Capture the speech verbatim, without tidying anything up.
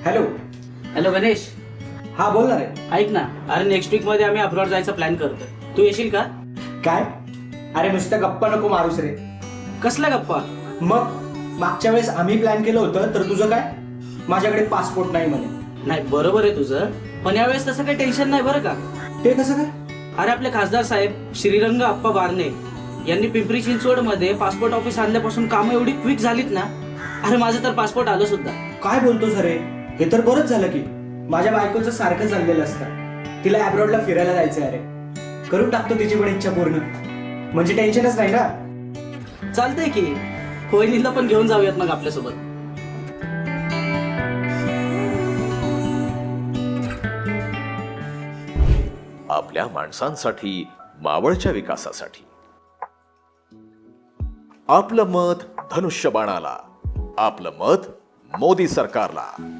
Hello. Hello Ganesh, हा बोल ना रे. ऐक ना, अरे नेक्स्ट वीक मध्ये आम्ही अब्रॉड जायचा प्लॅन करतोय. तू येशील का? काय? अरे नुसतं गप्पा नको मारूस रे. कसला गप्पा? मग मागच्या वेळेस आम्ही प्लॅन केलं होतं तर तुझं काय? माझ्याकडे पासपोर्ट नाही म्हणे. नाही बरोबर आहे तुझं, पण यावेळेस तसं काही टेन्शन नाही बरं का. ते कसं काय? अरे आपले खासदार साहेब श्रीरंग अप्पा बारणे यांनी पिंपरी चिंचवड मध्ये पासपोर्ट ऑफिस आणल्यापासून कामं एवढी क्विक झालीत ना. अरे माझं तर पासपोर्ट आलं सुद्धा. काय बोलतोस अरे? हे तर बरंच झालं की. माझ्या बायकोचं सारखं चाललेलं असतं, तिला अब्रॉडला फिरायला जायचं अरे. करून टाकतो तिची पण इच्छा पूर्ण, म्हणजे टेन्शनच नाही ना. चालतंय की, वहिनीला पण घेऊन जाऊयात मग आपल्यासोबत. आपल्या माणसांसाठी, मावळच्या विकासासाठी. आपलं मत धनुष्यबाणाला, आपलं मत मोदी सरकारला.